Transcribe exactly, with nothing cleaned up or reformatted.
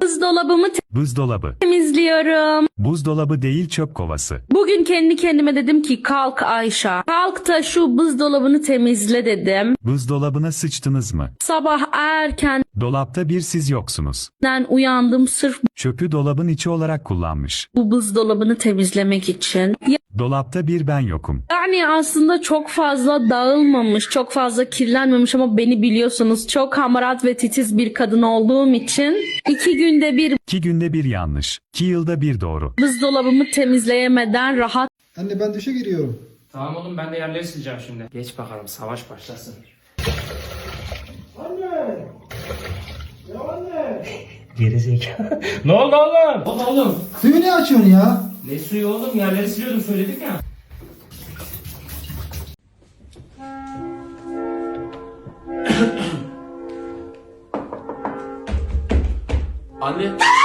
Buzdolabımı Buzdolabı. temizliyorum. Buzdolabı değil, çöp kovası. Bugün kendi kendime dedim ki kalk Ayşe. Kalk da şu buzdolabını temizle dedim. Buzdolabına sıçtınız mı? Sabah erkenden Dolapta bir siz yoksunuz. uyandım sırf Çöpü dolabın içi olarak kullanmış. bu buzdolabını temizlemek için. Dolapta bir ben yokum. Yani aslında çok fazla dağılmamış, çok fazla kirlenmemiş ama beni biliyorsunuz çok hamarat ve titiz bir kadın olduğum için iki günde bir İki günde bir yanlış. İki yılda bir doğru. buzdolabımı temizleyemeden rahat Anne ben duşa giriyorum. Tamam oğlum, ben de yerleri sileceğim şimdi. Geç bakalım, savaş başlasın. Anne! Ya anne! Gerizekalı. Ne oldu oğlum? Baba oğlum. Suyu ne açıyorsun ya? Ne suyu oğlum? Yerleri siliyordum, söyledik ya. Anne.